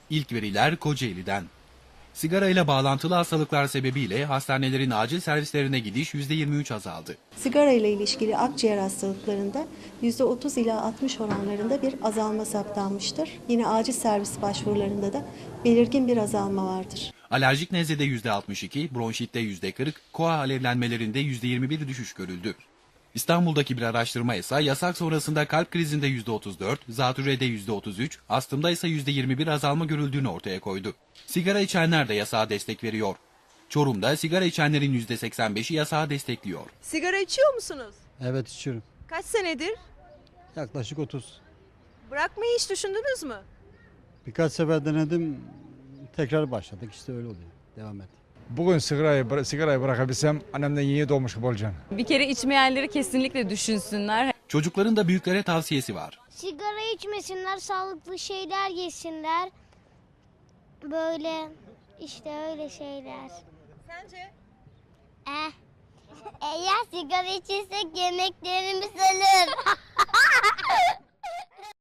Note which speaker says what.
Speaker 1: İlk veriler Kocaeli'den. Sigara ile bağlantılı hastalıklar sebebiyle hastanelerin acil servislerine gidiş %23 azaldı.
Speaker 2: Sigara ile ilişkili akciğer hastalıklarında %30 ila 60 oranlarında bir azalma saptanmıştır. Yine acil servis başvurularında da belirgin bir azalma vardır.
Speaker 1: Alerjik nezlede %62, bronşitte %40, koa alevlenmelerinde %21 düşüş görüldü. İstanbul'daki bir araştırma ise yasak sonrasında kalp krizinde %34, zatürrede %33, astımda ise %21 azalma görüldüğünü ortaya koydu. Sigara içenler de yasağa destek veriyor. Çorum'da sigara içenlerin %85'i yasağı destekliyor.
Speaker 3: Sigara içiyor musunuz?
Speaker 4: Evet içiyorum.
Speaker 3: Kaç senedir?
Speaker 4: Yaklaşık 30.
Speaker 3: Bırakmayı hiç düşündünüz mü?
Speaker 4: Birkaç sefer denedim. Tekrar başladık. İşte öyle oluyor. Devam et.
Speaker 5: Bugün sigarayı bırakabilsem annemden yeni doğmuş gibi olacağım.
Speaker 6: Bir kere içmeyenleri kesinlikle düşünsünler.
Speaker 1: Çocukların da büyüklere tavsiyesi var.
Speaker 7: Sigara içmesinler, sağlıklı şeyler yesinler. Böyle işte öyle şeyler.
Speaker 3: Sence?
Speaker 7: Eğer sigara içirsek yemeklerimiz ölür.